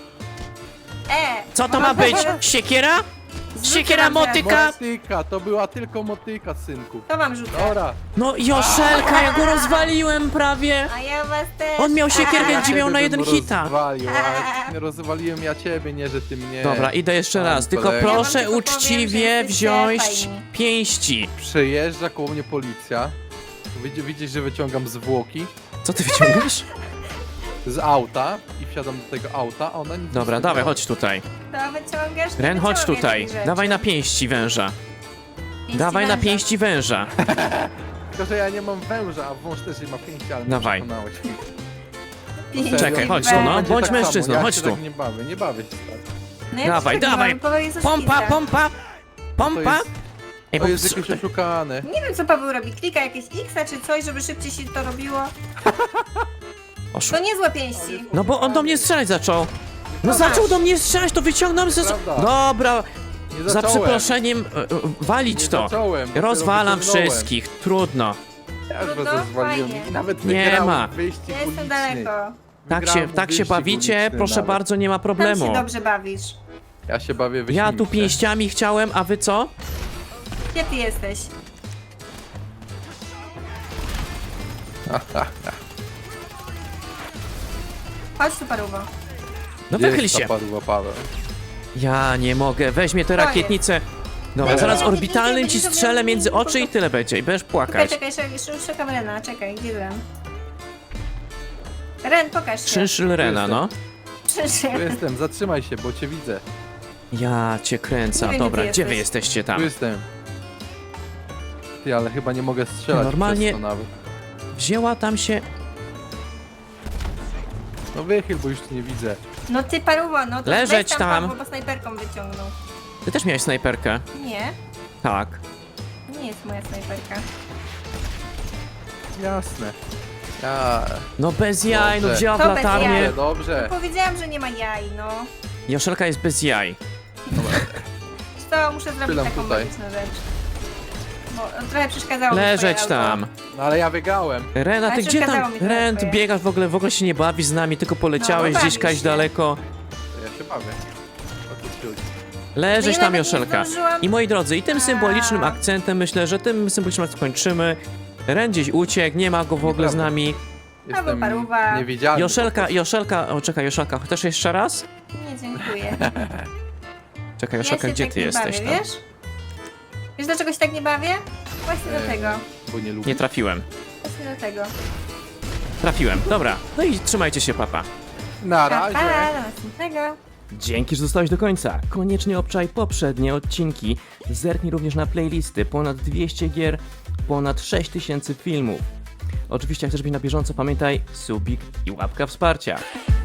Speaker 1: Co to ma być? Siekiera? Siekiera
Speaker 3: wam teraz.
Speaker 1: motyka?
Speaker 2: Motyka, to była tylko motyka, synku.
Speaker 3: To wam rzucę.
Speaker 2: Dobra.
Speaker 1: No Joszelka, ja go rozwaliłem prawie.
Speaker 3: A ja was też.
Speaker 1: On miał siekierkę,
Speaker 2: Ja
Speaker 1: gdzie miał
Speaker 2: ciebie
Speaker 1: na
Speaker 2: bym
Speaker 1: jeden hita.
Speaker 2: Rozwalił, a rozwaliłem ja ciebie, nie że ty mnie.
Speaker 1: Dobra, idę jeszcze raz,
Speaker 2: Pan
Speaker 1: tylko
Speaker 2: kolega.
Speaker 3: Ja wam
Speaker 1: proszę
Speaker 3: tylko powiem,
Speaker 1: uczciwie
Speaker 3: że jesteście
Speaker 1: wziąć
Speaker 3: fajni.
Speaker 1: pięści.
Speaker 2: Przejeżdża koło mnie policja. Widzisz, widzisz, że wyciągam zwłoki
Speaker 1: Co ty wyciągasz?
Speaker 2: z auta i wsiadam do tego auta, a ona nic
Speaker 1: Dobra,
Speaker 2: nie
Speaker 1: dawaj,
Speaker 2: zrobiła.
Speaker 1: chodź tutaj.
Speaker 3: To wyciągasz? nie
Speaker 1: Ren, chodź
Speaker 3: wyciągaj
Speaker 1: tutaj.
Speaker 3: tych rzeczy.
Speaker 1: Dawaj na pięści węża.
Speaker 3: Pięści
Speaker 1: Dawaj na
Speaker 3: węża.
Speaker 1: pięści węża.
Speaker 2: Tylko, że ja nie mam węża, a wąż też nie ma pięści, ale mnie
Speaker 1: Dawaj.
Speaker 2: przekonałeś.
Speaker 3: Pięści
Speaker 1: Czekaj, chodź tu,
Speaker 3: węża.
Speaker 1: no.
Speaker 2: Będzie
Speaker 1: bądź
Speaker 2: tak
Speaker 1: mężczyzną,
Speaker 2: samo, ja
Speaker 1: chodź
Speaker 2: się
Speaker 1: tu.
Speaker 2: Tak nie bawię, nie bawię się tak.
Speaker 3: No ja
Speaker 1: Dawaj,
Speaker 3: też tak
Speaker 1: dawaj.
Speaker 3: mam, bo jest
Speaker 1: Pompa,
Speaker 3: oszukista.
Speaker 1: pompa! Pompa!
Speaker 2: jest-
Speaker 1: Ej,
Speaker 2: To
Speaker 1: bo
Speaker 2: jest jakieś oszukane.
Speaker 3: Nie wiem, co Paweł robi. Klika jakieś X czy coś, żeby szybciej się to robiło.
Speaker 1: Oszu-
Speaker 3: To niezłe pięści.
Speaker 1: No bo on do mnie strzelać zaczął. No
Speaker 3: Zobacz.
Speaker 1: zaczął do mnie strzelać, to wyciągnąłem ze...
Speaker 2: Prawda.
Speaker 1: Dobra,
Speaker 2: Nie
Speaker 1: za
Speaker 2: zacząłem.
Speaker 1: przeproszeniem, e, e, walić
Speaker 2: Nie
Speaker 1: to.
Speaker 2: zacząłem, dopiero
Speaker 1: Rozwalam
Speaker 2: wyciągnąłem.
Speaker 1: wszystkich, trudno.
Speaker 2: Ja już
Speaker 3: Trudno?
Speaker 2: was rozwaliłem
Speaker 3: Fajnie.
Speaker 2: i nawet
Speaker 1: Nie
Speaker 2: wygrałem
Speaker 1: ma.
Speaker 2: wyścig
Speaker 3: Ja jestem
Speaker 2: uliczny.
Speaker 3: daleko.
Speaker 1: Tak się,
Speaker 2: Wygrałem
Speaker 1: tak się
Speaker 2: wyścig
Speaker 1: bawicie,
Speaker 2: uliczny
Speaker 1: proszę
Speaker 2: nawet.
Speaker 1: bardzo, nie ma
Speaker 3: Tam
Speaker 1: problemu.
Speaker 3: się dobrze bawisz.
Speaker 2: Ja się bawię wyścigiem.
Speaker 1: Ja tu pięściami chciałem, a wy co?
Speaker 3: Gdzie ty jesteś? Chodź tu, paruwo.
Speaker 1: No wychyl się.
Speaker 2: Padła Paweł.
Speaker 1: Ja nie mogę, weźmie tę
Speaker 3: To jest.
Speaker 1: rakietnicę. Dobra,
Speaker 3: Weź
Speaker 1: zaraz
Speaker 3: tę rakietnicę,
Speaker 1: orbitalnym ci
Speaker 3: będzie
Speaker 1: strzelę
Speaker 3: zrobiony
Speaker 1: między
Speaker 3: mini
Speaker 1: oczy i tyle będzie i będziesz
Speaker 3: Czekaj,
Speaker 1: płakać.
Speaker 3: czekaj, czekaj, szukam Rena, czekaj, gdzie Ren? Ren, pokaż się.
Speaker 1: Szynszyl Rena, no.
Speaker 3: Przyszedł.
Speaker 2: Tu jestem, zatrzymaj się, bo cię widzę.
Speaker 1: Ja cię kręcę.
Speaker 3: Nie wiem,
Speaker 1: Dobra,
Speaker 3: gdzie
Speaker 1: gdzie wy
Speaker 3: jesteś.
Speaker 1: jesteście
Speaker 2: Tu
Speaker 1: tam?
Speaker 2: jestem. Ty, ale chyba nie mogę strzelać
Speaker 1: Normalnie-
Speaker 2: przez to nawet.
Speaker 1: Wzięła tam się...
Speaker 2: No wychyl, bo już cię nie widzę.
Speaker 3: No ty, paruwo, no to
Speaker 1: Leżeć
Speaker 3: weź
Speaker 1: tam.
Speaker 3: Paweł, bo snajperką wyciągnął.
Speaker 1: Ty też miałeś snajperkę.
Speaker 3: Nie,
Speaker 1: Tak.
Speaker 3: nie jest moja snajperka.
Speaker 2: Jasne. Ja...
Speaker 1: No bez jaj, no
Speaker 2: Dobrze.
Speaker 1: wzięła w
Speaker 3: To bez
Speaker 1: latarnię.
Speaker 3: jaj.
Speaker 2: Dobrze, dobrze.
Speaker 3: Powiedziałam, że nie ma jaj, no.
Speaker 1: Joszelka jest bez jaj.
Speaker 3: To muszę zrobić
Speaker 2: Chwilę
Speaker 3: taką
Speaker 2: tutaj.
Speaker 3: magiczną rzecz. Bo trochę przeszkadzało mi
Speaker 1: Leżeć
Speaker 3: twoje auto.
Speaker 1: tam.
Speaker 2: No ale ja wygrałem.
Speaker 1: Rena, ty
Speaker 3: Ale
Speaker 1: gdzie
Speaker 3: przeszkadzało
Speaker 1: tam?
Speaker 3: mi trochę
Speaker 1: Ren, ty
Speaker 3: twoje.
Speaker 1: biegasz w ogóle, w ogóle się nie bawisz z nami, tylko poleciałeś
Speaker 3: No,
Speaker 1: gdzieś
Speaker 3: bawisz
Speaker 1: kaś
Speaker 3: się.
Speaker 1: daleko.
Speaker 2: To ja się bawię. O co ci chodzi?
Speaker 1: Leżeć
Speaker 3: No ja
Speaker 1: tam,
Speaker 3: nawet nie
Speaker 1: Joszelka.
Speaker 3: zdążyłam.
Speaker 1: I moi drodzy, i tym
Speaker 3: A.
Speaker 1: symbolicznym akcentem myślę, że tym symbolicznym akcentem kończymy. Ren gdzieś uciekł, nie ma go w ogóle z
Speaker 2: Nieprawda.
Speaker 1: nami.
Speaker 2: Jestem
Speaker 3: paruwa.
Speaker 2: niewidzialny.
Speaker 1: Joszelka, Joszelka, o czekaj, Joszelka, chcesz jeszcze raz?
Speaker 3: Nie, dziękuję.
Speaker 1: Czekaj,
Speaker 3: Ja
Speaker 1: Joszelka,
Speaker 3: się
Speaker 1: gdzie
Speaker 3: tak
Speaker 1: ty
Speaker 3: nie
Speaker 1: jesteś
Speaker 3: bawię,
Speaker 1: tam?
Speaker 3: wiesz? Wiesz dlaczego się tak nie bawię? Właśnie do
Speaker 2: Em,
Speaker 3: tego.
Speaker 2: Bo nie lubię.
Speaker 1: Nie trafiłem.
Speaker 3: Właśnie do tego.
Speaker 1: Trafiłem, dobra. No i trzymajcie się, papa.
Speaker 2: Na
Speaker 3: Pa,
Speaker 2: razie.
Speaker 3: pa, do następnego.
Speaker 1: Dzięki, że zostałeś do końca. Koniecznie obczaj poprzednie odcinki. Zerknij również na playlisty. Ponad dwieście gier, ponad sześć tysięcy filmów. Oczywiście, jak chcesz być na bieżąco, pamiętaj subik i łapka wsparcia.